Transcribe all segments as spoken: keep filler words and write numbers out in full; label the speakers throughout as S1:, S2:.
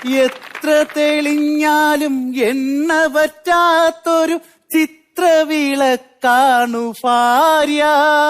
S1: എത്ര തെളിഞ്ഞാലും എണ്ണ പറ്റാത്തൊരു ചിത്രവിളക്കാണു ഭാര്യ.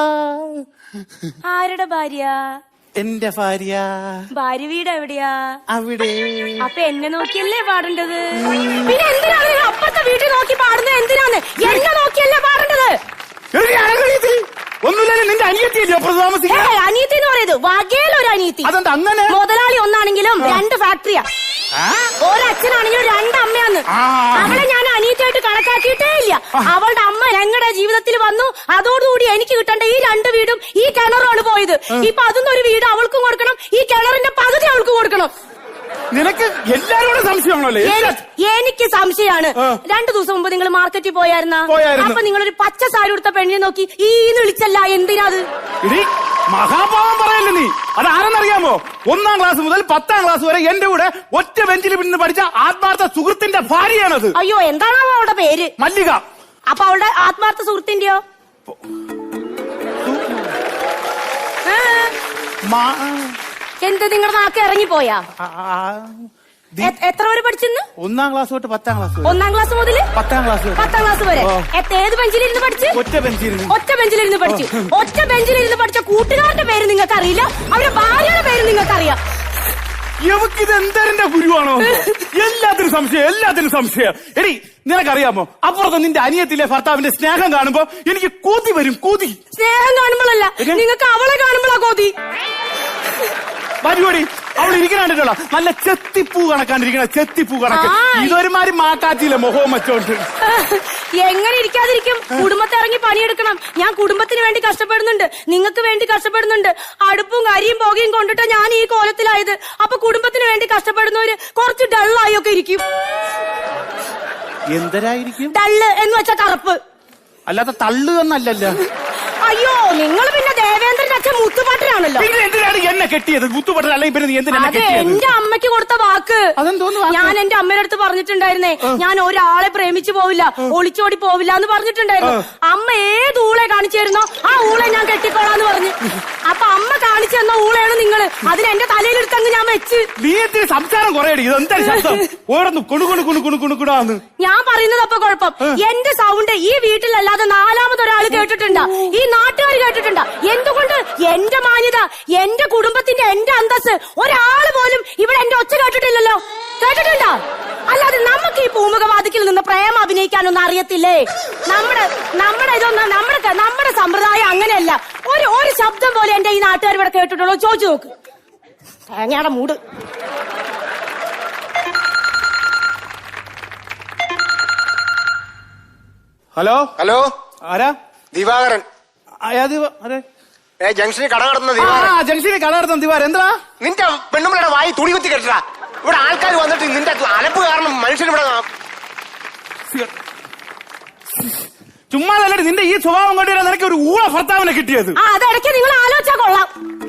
S2: ആരുടെ ഭാര്യ?
S1: എന്റെ ഭാര്യ.
S2: ഭാര്യ വീട് എവിടെയാ?
S1: അവിടെ.
S2: അപ്പൊ എന്നെ നോക്കിയല്ലേ പാടേണ്ടത്? പിന്നെ എന്തിനാണ് അപ്പത്തെ വീട്ടിൽ നോക്കി പാടുന്നത്? എന്തിനാണ് എന്നെ നോക്കിയല്ലേ പാടേണ്ടത്?
S1: ഒന്നുമില്ലല്ലോ, നിന്റെ അനിയത്തിയല്ലോ താമസിക്കുക.
S2: അനിയത്തി എന്ന് പറയുന്നത് വകയിലൊരു അനിയത്തി.
S1: അതെന്താ അങ്ങനെ?
S2: മുതലാളി ഒന്നാണെങ്കിലും രണ്ട് ഫാക്ടറിയാ. ഒരച്ഛനാണെങ്കിലും രണ്ടമ്മയാന്ന്. അവളെ ഞാൻ അനിയത്തിയായിട്ട് കണക്കാക്കിയിട്ടേ ഇല്ല. അവളുടെ അമ്മ ഞങ്ങളുടെ ജീവിതത്തിൽ വന്നു. അതോടുകൂടി എനിക്ക് കിട്ടേണ്ട ഈ രണ്ട് വീടും ഈ കിണറുമാണ് പോയത്. ഇപ്പൊ അതിന്നൊരു വീട് അവൾക്കും കൊടുക്കണം, ഈ കിണറിന്റെ പകുതി അവൾക്ക് കൊടുക്കണം.
S1: നിനക്ക് എല്ലാരോടും സംശയമാണല്ലോ?
S2: എനിക്ക് സംശയമാണ്. രണ്ടു ദിവസം മുമ്പ് നിങ്ങൾ മാർക്കറ്റിൽ പോയായിരുന്ന? അപ്പൊ നിങ്ങളൊരു പച്ച സാരി കൊടുത്ത പെണ്ണിനെ നോക്കി ഈന്ന് വിളിച്ചല്ല, എന്തിനാ അത്?
S1: മഹാഭാവം പറയല്ലേ നീ. അത് ആരെന്നറിയാമോ? ഒന്നാം ക്ലാസ് മുതൽ പത്താം ക്ലാസ് വരെ എന്റെ കൂടെ ഒറ്റ ബെഞ്ചിൽ നിന്ന് പഠിച്ച ആത്മാർത്ഥ സുഹൃത്തിന്റെ ഭാര്യയാണത്.
S2: അയ്യോ, എന്താണോ അവളുടെ പേര്?
S1: മല്ലിക.
S2: അപ്പൊ അവളുടെ ആത്മാർത്ഥ സുഹൃത്തിന്റെയോ? എന്ത് നിങ്ങളുടെ നാക്ക് ഇറങ്ങിപ്പോയാ? എത്ര വരെ പഠിച്ചെന്ന്?
S1: ഒന്നാം ക്ലാസ് തൊട്ട് പത്താം ക്ലാസ്.
S2: ഒന്നാം ക്ലാസ് മുതൽ
S1: പത്താം ക്ലാസ്
S2: പത്താം ക്ലാസ് വരെ ഏത് ബെഞ്ചിലിരുന്ന് പഠിച്ചു?
S1: ഒറ്റ ബെഞ്ചിലിരുന്ന്.
S2: ഒറ്റ ബെഞ്ചിലിരുന്ന് പഠിച്ചു. ഒറ്റ ബെഞ്ചിലിരുന്ന് പഠിച്ച കൂട്ടുകാരുടെ പേര് നിങ്ങൾക്ക് അറിയില്ല, അവരുടെ ഭാര്യയുടെ പേര് നിങ്ങൾക്ക് അറിയാം.
S1: ഇവക്കിത് എന്തരന്റെ ഗുരുവാണോ? എല്ലാത്തിനും സംശയം, എല്ലാത്തിനും സംശയം. എടി, നിനക്കറിയാമോ, അപ്പുറത്ത് നിന്റെ അനിയത്തിലെ ഭർത്താവിന്റെ സ്നേഹം കാണുമ്പോ എനിക്ക് കൂതി വരും. കൂതി
S2: സ്നേഹം കാണുമ്പോഴല്ല, നിങ്ങൾക്ക് അവളെ കാണുമ്പോഴാ കൂതി
S1: വരുവടി. അവൾ ഇരിക്കണോ നല്ല ചെത്തിപ്പൂ കണക്കാണ്ടിരിക്കണ, ചെത്തിപ്പൂ കണക്ക്. ഇതൊരുമാതിരി മാക്കാറ്റിയില്ല മുഖവും വെച്ചോണ്ട്.
S2: എങ്ങനെ ഇരിക്കാതിരിക്കും? കുടുംബത്തെ ഇറങ്ങി പണിയെടുക്കണം. ഞാൻ കുടുംബത്തിന് വേണ്ടി കഷ്ടപ്പെടുന്നുണ്ട്, നിങ്ങൾക്ക് വേണ്ടി കഷ്ടപ്പെടുന്നുണ്ട്. അടുപ്പും കരിയും പുകയും കൊണ്ടിട്ട് ഞാൻ ഈ കോലത്തിലായത്. അപ്പൊ കുടുംബത്തിന് വേണ്ടി കഷ്ടപ്പെടുന്നവര് കുറച്ച് ഡള്ളായി ഒക്കെ ഇരിക്കും.
S1: എന്തരായിരിക്കും?
S2: ഡള്ള് എന്ന് വെച്ചാ കറുപ്പ്,
S1: അല്ലാതെ തള്ളു എന്നല്ലല്ലോ.
S2: അയ്യോ, നിങ്ങൾ പിന്നെ ദേവേന്ദ്രന്റെ അച്ഛൻ മുത്തുപാട്ടനാണല്ലോ.
S1: എന്തിനാണ് എന്നെ കെട്ടിയത്? മുത്തുപാട്ടൻ അല്ലെങ്കിൽ പിന്നെ എന്തിനാ?
S2: അതെ, എന്റെ അമ്മയ്ക്ക് കൊടുത്ത വാക്ക്. ഞാൻ എന്റെ അമ്മയുടെ അടുത്ത് പറഞ്ഞിട്ടുണ്ടായിരുന്നേ, ഞാൻ ഒരാളെ പ്രേമിച്ചു പോവില്ല, ഒളിച്ചോടി പോവില്ല എന്ന് പറഞ്ഞിട്ടുണ്ടായിരുന്നു. അമ്മ ഏത് ഊളെ കാണിച്ചു തരുന്നോ ആ ഊളെ ഞാൻ കെട്ടിക്കോളാന്ന് പറഞ്ഞു. അപ്പൊ അമ്മ കാണിച്ചു തന്ന ഊളയാണ് നിങ്ങള്. അതിന് എന്റെ തലയിലെടുത്തങ്ങ് ഞാൻ വെച്ച്.
S1: നീ എന്തിന് സംസാരം കുറയടി?
S2: ഞാൻ പറയുന്നത് അപ്പൊ കുഴപ്പം, എന്റെ സൗണ്ട് ഈ വീട്ടിലല്ലാതെ നാലാമതൊരാള് കേട്ടിട്ടുണ്ടാ? ഈ നാട്ടുകാർ കേട്ടിട്ടുണ്ടാ? എന്തുകൊണ്ട്? എന്റെ മാന്യത, എന്റെ കുടുംബത്തിന്റെ, എന്റെ അന്തസ് ഒരാള് പോലും ഇവിടെ എന്റെ ഒച്ച കേട്ടിട്ടില്ലല്ലോ. കേട്ടിട്ടുണ്ടോ? അല്ലാതെ നമുക്ക് ഈ പൂമുഖവാദിക്കിൽ നിന്ന് പ്രേമം അഭിനയിക്കാനൊന്നും അറിയത്തില്ലേ? നമ്മുടെ നമ്മുടെ ഇതൊന്നും നമ്മുടെ നമ്മുടെ സമ്പ്രദായം അങ്ങനെയല്ല. ഒരു ഒരു ശബ്ദം പോലെ എന്റെ ഈ നാട്ടുകാർ ഇവിടെ കേട്ടിട്ടുള്ളൂ. ചോദിച്ചു നോക്ക്. തേങ്ങയുടെ മൂട്.
S1: ഹലോ ഹലോ, ആരാ?
S3: ദിവാകരൻ. ജംഗ്ഷനിൽ കട നടത്തുന്ന ദിവാകരൻ.
S1: ജംഗ്ഷനിൽ കട നടത്തുന്ന ദിവാകരൻ. എന്താ
S3: നിന്റെ പെണ്ണുമ്പളുടെ വായി തുണി കുത്തി കെട്ടാ? ഇവിടെ ആൾക്കാർ വന്നിട്ട് നിന്റെ അലപ്പ് കാരണം മനുഷ്യൻ ഇവിടെ
S1: ചുമ്മാ. നിന്റെ ഈ സ്വഭാവം കൊണ്ടുവരാൻ നിനക്ക് ഒരു ഊള ഭർത്താവിനെ കിട്ടിയത്.
S2: അതിടയ്ക്ക് നിങ്ങൾ ആലോചിച്ചാ കൊള്ളാം.